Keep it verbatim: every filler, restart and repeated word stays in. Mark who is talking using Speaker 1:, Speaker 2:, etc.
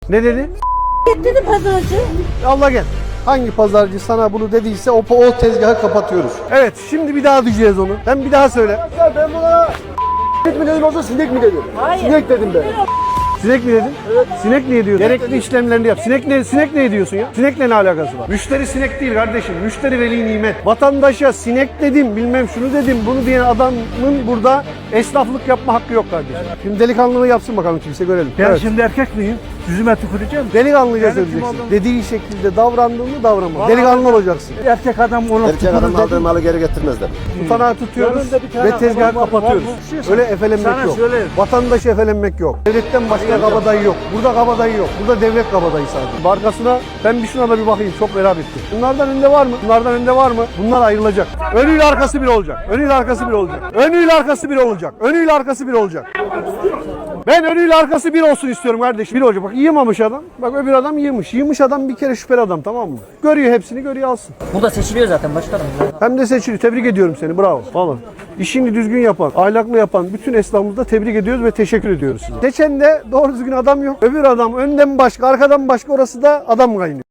Speaker 1: Ne dedi?
Speaker 2: Dedi pazarcı.
Speaker 1: Allah gel. Hangi pazarcı sana bunu dediyse o, o tezgahı kapatıyoruz. Evet, şimdi bir daha diyeceğiz onu. Sen bir daha söyle. Ben buna sinek mi dedim olsa sinek mi dedim?
Speaker 2: Hayır.
Speaker 1: Sinek dedim ben. Sinek mi dedin? Evet. Sinek niye diyorsun? Gerekli işlemlerini yap. Sinek ne, sinek ne diyorsun ya? Sinekle ne alakası var? Müşteri sinek değil kardeşim. Müşteri veli nimet. Vatandaşa sinek dedim, bilmem şunu dedim, bunu diyen adamın burada esnaflık yapma hakkı yok kardeşim. Şimdi delikanlılığı yapsın bakalım kimse görelim.
Speaker 3: Ben
Speaker 1: Evet.
Speaker 3: şimdi erkek miyim? Yüzüme tüküreceğim.
Speaker 1: Delikanlıca
Speaker 3: Yani kim
Speaker 1: söyleyeceksin.
Speaker 3: olduğunu-
Speaker 1: Dediği şekilde davrandığını davranma.
Speaker 3: Vallahi-
Speaker 1: Delikanlı olacaksın.
Speaker 3: Erkek adam onu
Speaker 4: Erkek adam
Speaker 3: tükürür
Speaker 4: aldığı
Speaker 3: dedim.
Speaker 4: malı geri getirmezler.
Speaker 1: Tutanağı tutuyoruz
Speaker 3: Yanında bir tane
Speaker 1: ve tezgahı
Speaker 3: adam var,
Speaker 1: kapatıyoruz.
Speaker 3: var, var.
Speaker 1: Öyle efelenmek
Speaker 3: Sana
Speaker 1: yok.
Speaker 3: söyleyeyim.
Speaker 1: Vatandaşı efelenmek yok. Devletten başka kabadayı yok. Burada kabadayı yok. Burada devlet kabadayı sadece. Arkasına ben bir şuna da bir bakayım. Çok merak ettim. Bunlardan önde var mı? Bunlardan önde var mı? Bunlar ayrılacak. Önüyle arkası bir olacak. Önüyle arkası bir olacak. Önüyle arkası bir olacak. Önüyle arkası bir olacak. Ben önüyle arkası bir olsun istiyorum kardeşim. Bir olacak. Bak yığmamış adam. Bak öbür adam yığmış. Yığmış adam bir kere şüpheli adam, tamam mı? Görüyor hepsini, görüyor alsın.
Speaker 5: Burada seçiliyor zaten başkanım.
Speaker 1: Hem de seçili. Tebrik ediyorum seni. Bravo. Vallahi. İşini düzgün yapan, ahlaklı yapan bütün esnafımızda tebrik ediyoruz ve teşekkür ediyoruz size. Seçen de doğru düzgün adam yok. Öbür adam önden başka, arkadan başka, orası da adam kaynıyor.